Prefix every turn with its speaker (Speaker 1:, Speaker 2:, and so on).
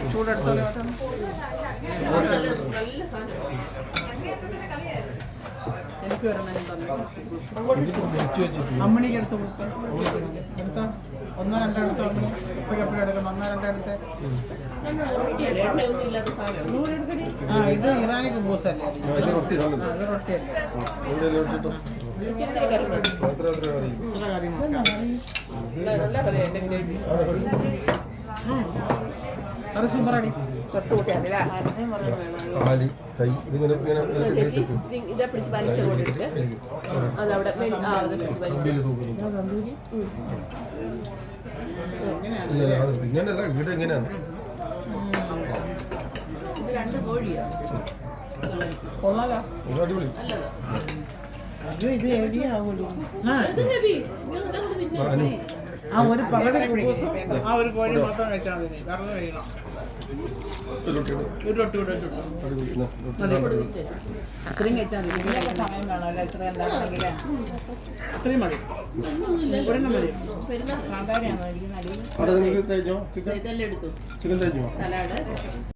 Speaker 1: ചൂടെടുത്തോളൂ. എനിക്ക് വരണം അമ്മണിക്ക് എടുത്ത് കൊടുക്കാം. എടുത്ത ഒന്നോ രണ്ടോ എടുത്തോ അമ്മണി എപ്പോഴും എപ്പോഴും എടുക്കണം. ഒന്നോ രണ്ടോ എടുത്ത് ഇത് ഇറാനിക്ക് ബൂസല്ലേ? അത് റൊട്ടിയല്ലേ? അത് സൂപ്പറാടി.
Speaker 2: ഇതെ പിടിച്ച് വലിച്ചോടിട്ട് അതവിടെ
Speaker 3: ഇങ്ങനെയല്ല ഇവിടെ എങ്ങനെയാണ്
Speaker 2: ഇത് രണ്ട് കോഴിയാണ്.
Speaker 1: കൊള്ളാലോ.
Speaker 3: അടിപൊളി.
Speaker 1: ഇത് ഹെവി ആവുമല്ലോ.
Speaker 2: ആ
Speaker 1: ഒരു പകുതി ആ ഒരു കോഴി മാത്രം കഴിച്ചാൽ മതി. കറന്ന് കഴിക്കണം. ഒരു റൊട്ടി കൂടെ ഇത്രയും കഴിച്ചാൽ മതി. സമയം വേണമല്ലോ ഇത്ര ഉണ്ടാക്കണമെങ്കിൽ. അത്രയും മതി. ഒരെണ്ണം മതി.
Speaker 2: സാധാരണയാണോ ഇരിക്കുന്ന അടിയിൽ
Speaker 3: ചിക്കൻ തേച്ചോ?
Speaker 2: ഇതെല്ലാം എടുത്തു.
Speaker 3: ചിക്കൻ തേച്ചോ?
Speaker 2: സലാഡ്